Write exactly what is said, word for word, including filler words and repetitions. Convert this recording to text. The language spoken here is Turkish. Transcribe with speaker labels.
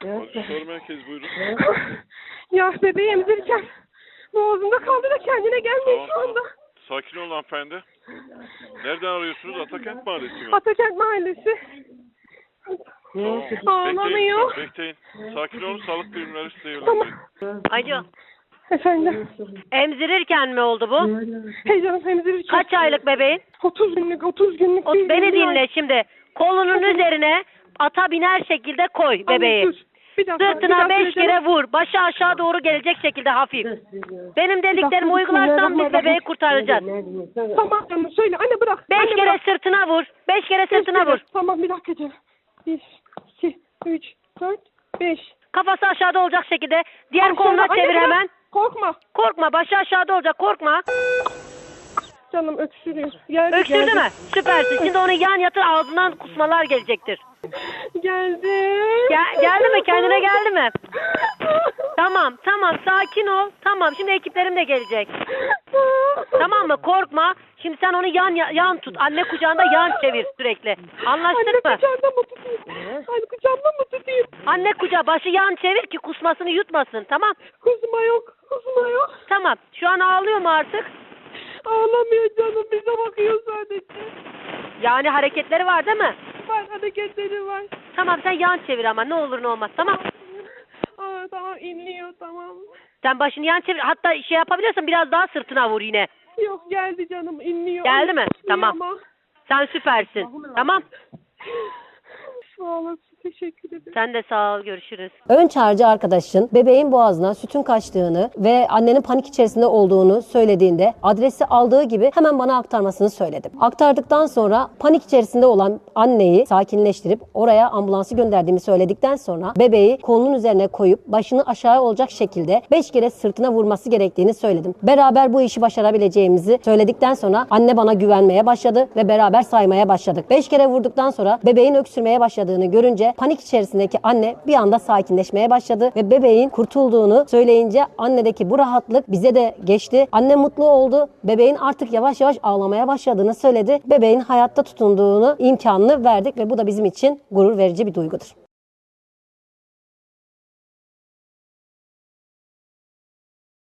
Speaker 1: Acil soru merkezi buyurun.
Speaker 2: Ya bebeği emzirirken boğazımda kaldı da kendine gelmiyor
Speaker 1: Tamam,
Speaker 2: şu anda.
Speaker 1: tamam. Sakin olun hanımefendi. Nereden arıyorsunuz? Atakent Mahallesi mi?
Speaker 2: Atakent Mahallesi.
Speaker 1: Tamam.
Speaker 2: Ağlamıyor.
Speaker 1: Bekleyin, bekleyin. Sakin olun, sağlık birimleri size
Speaker 2: Tamam.
Speaker 1: yönlendirin.
Speaker 3: Alo.
Speaker 2: Efendim.
Speaker 3: Emzirirken mi oldu bu?
Speaker 2: Heyecanım emzirirken.
Speaker 3: Kaç aylık bebeğin?
Speaker 2: otuz günlük, otuz günlük.
Speaker 3: O,
Speaker 2: değil,
Speaker 3: beni
Speaker 2: yirmi ay.
Speaker 3: dinle şimdi. Kolunun üzerine ata biner şekilde koy bebeği.
Speaker 2: Anne, dur. Bir dakika, bir
Speaker 3: Sırtına
Speaker 2: dakika
Speaker 3: beş
Speaker 2: canım.
Speaker 3: kere vur. Başı aşağı doğru gelecek şekilde hafif. Benim dediklerimi
Speaker 2: dakika,
Speaker 3: uygularsan biz bebeği kurtaracağız.
Speaker 2: Tamam canım söyle anne bırak.
Speaker 3: Beş
Speaker 2: Anne,
Speaker 3: kere
Speaker 2: bırak.
Speaker 3: sırtına vur. Beş kere
Speaker 2: Beş
Speaker 3: sırtına
Speaker 2: kere.
Speaker 3: vur.
Speaker 2: Tamam bir dakika canım. Bir, iki, üç, dört, beş.
Speaker 3: Kafası aşağıda olacak şekilde. Diğer
Speaker 2: Aşağıda,
Speaker 3: koluna
Speaker 2: anne,
Speaker 3: çevir
Speaker 2: bırak.
Speaker 3: hemen.
Speaker 2: Korkma.
Speaker 3: Korkma. Başı aşağıda olacak. Korkma.
Speaker 2: Canım öksürüyor. Geldi,
Speaker 3: Öksürdü
Speaker 2: geldi.
Speaker 3: mü? Süpersin. Şimdi onu yan yatır, ağzından kusmalar gelecektir.
Speaker 2: Geldi.
Speaker 3: Gel, geldi mi? Kendine geldi mi? Tamam, tamam. Sakin ol. Tamam. Şimdi ekiplerim de gelecek. Tamam mı? Korkma. Şimdi sen onu yan yan tut. Anne kucağında yan çevir sürekli. Anlaştık
Speaker 2: Anne
Speaker 3: mı?
Speaker 2: kucağında mı tutayım? Anne kucağımda mı tutayım?
Speaker 3: Anne kucağı başı yan çevir ki kusmasını yutmasın. Tamam.
Speaker 2: Kusma yok. Kusma yok.
Speaker 3: Tamam. Şu an ağlıyor mu artık?
Speaker 2: Ağlamıyor canım. Bize bakıyor sadece.
Speaker 3: Yani hareketleri var değil mi?
Speaker 2: Var hareketleri var.
Speaker 3: Tamam sen yan çevir ama ne olur ne olmaz. Tamam.
Speaker 2: Aa, tamam inliyor tamam.
Speaker 3: Sen başını yan çevir. Hatta şey yapabiliyorsan biraz daha sırtına vur yine.
Speaker 2: Yok geldi canım inliyor.
Speaker 3: Geldi mi?
Speaker 2: İnliyor
Speaker 3: Tamam.
Speaker 2: ama.
Speaker 3: Sen süpersin. Tamam.
Speaker 2: Sağ olasın. Teşekkür ederim.
Speaker 3: Sen de sağ ol. Görüşürüz.
Speaker 4: Ön çağrıcı arkadaşın bebeğin boğazına sütün kaçtığını ve annenin panik içerisinde olduğunu söylediğinde adresi aldığı gibi hemen bana aktarmasını söyledim. Aktardıktan sonra panik içerisinde olan anneyi sakinleştirip oraya ambulansı gönderdiğimi söyledikten sonra bebeği kolunun üzerine koyup başını aşağı olacak şekilde beş kere sırtına vurması gerektiğini söyledim. Beraber bu işi başarabileceğimizi söyledikten sonra anne bana güvenmeye başladı ve beraber saymaya başladık. beş kere vurduktan sonra bebeğin öksürmeye başladığını görünce panik içerisindeki anne bir anda sakinleşmeye başladı ve bebeğin kurtulduğunu söyleyince annedeki bu rahatlık bize de geçti. Anne mutlu oldu. Bebeğin artık yavaş yavaş ağlamaya başladığını söyledi. Bebeğin hayatta tutunduğunu imkanını verdik ve bu da bizim için gurur verici bir duygudur.